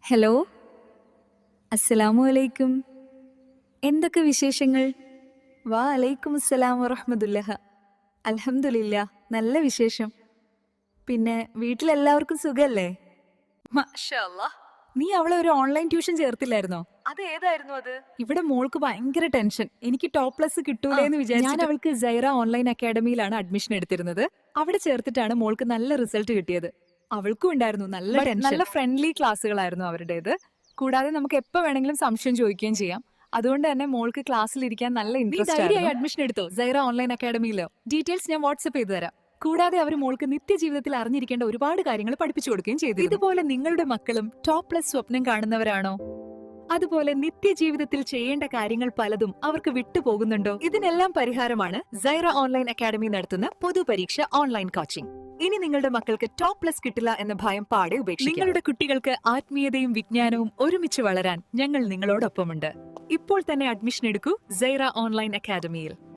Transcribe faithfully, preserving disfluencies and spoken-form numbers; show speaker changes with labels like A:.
A: Hello, അസ്സലാമു അലൈക്കും. എന്തൊക്കെ വിശേഷങ്ങൾ? വാ അലൈക്കും അസ്സലാം വറഹ്മത്തുള്ളാഹ. അൽഹംദുലില്ലാ, നല്ല വിശേഷം. പിന്നെ വീട്ടിലെല്ലാവർക്കും സുഖല്ലേ? മാഷാ അല്ലാ. നീ അവളെ ഒരു ഓൺലൈൻ ട്യൂഷൻ ചേർത്തില്ലായിരുന്നോ?
B: അത് ഏതായിരുന്നു അത്?
A: ഇവിടെ മോൾക്ക് ഭയങ്കര ടെൻഷൻ. എനിക്ക് ടോപ്പ് പ്ലസ് കിട്ടൂലേന്ന് വിചാരിച്ചു. ഞാൻ അവൾക്ക് സൈറ ഓൺലൈൻ അക്കാഡമിയിലാണ് അഡ്മിഷൻ എടുത്തിരുന്നത്. അവിടെ ചേർത്തിട്ടാണ് മോൾക്ക് നല്ല റിസൾട്ട് കിട്ടിയത്. അവൾക്കും ഉണ്ടായിരുന്നു നല്ല ടെൻഷൻ. നല്ല ഫ്രണ്ട്ലി ക്ലാസ്സുകളായിരുന്നു അവരുടേത്. കൂടാതെ നമുക്ക് എപ്പോ വേണമെങ്കിലും സംശയം ചോദിക്കുകയും ചെയ്യാം. അതുകൊണ്ട് തന്നെ മോൾക്ക് ക്ലാസ്സിൽ ഇരിക്കാൻ നല്ല ഇൻട്രസ്റ്റ് ആയിരുന്നു. അഡ്മിഷൻ എടുത്തോ സൈറ ഓൺലൈൻ അക്കാഡമിയിലോ? ഡീറ്റെയിൽസ് ഞാൻ വാട്സ്ആപ്പ് ചെയ്തു തരാം. കൂടാതെ അവർ മോൾക്ക് നിത്യജീവിതത്തിൽ അറിഞ്ഞിരിക്കേണ്ട ഒരുപാട് കാര്യങ്ങൾ പഠിപ്പിച്ചു കൊടുക്കുകയും ചെയ്തു. ഇതുപോലെ നിങ്ങളുടെ മക്കളും ടോപ്പ് പ്ലസ് സ്വപ്നം കാണുന്നവരാണോ? അതുപോലെ നിത്യജീവിതത്തിൽ ചെയ്യേണ്ട കാര്യങ്ങൾ പലതും അവർക്ക് വിട്ടുപോകുന്നുണ്ടോ? ഇതിനെല്ലാം പരിഹാരമാണ് സൈറ ഓൺലൈൻ അക്കാഡമി നടത്തുന്ന പൊതുപരീക്ഷ ഓൺലൈൻ കോച്ചിംഗ്. ഇനി നിങ്ങളുടെ മക്കൾക്ക് ടോപ്പ് പ്ലസ് കിട്ടില്ല എന്ന ഭയം പാടെ ഉപേക്ഷിക്കുക. നിങ്ങളുടെ കുട്ടികൾക്ക് ആത്മീയതയും വിജ്ഞാനവും ഒരുമിച്ച് വളരാൻ ഞങ്ങൾ നിങ്ങളോടൊപ്പമുണ്ട്. ഇപ്പോൾ തന്നെ അഡ്മിഷൻ എടുക്കൂ സൈറ ഓൺലൈൻ അക്കാഡമിയിൽ.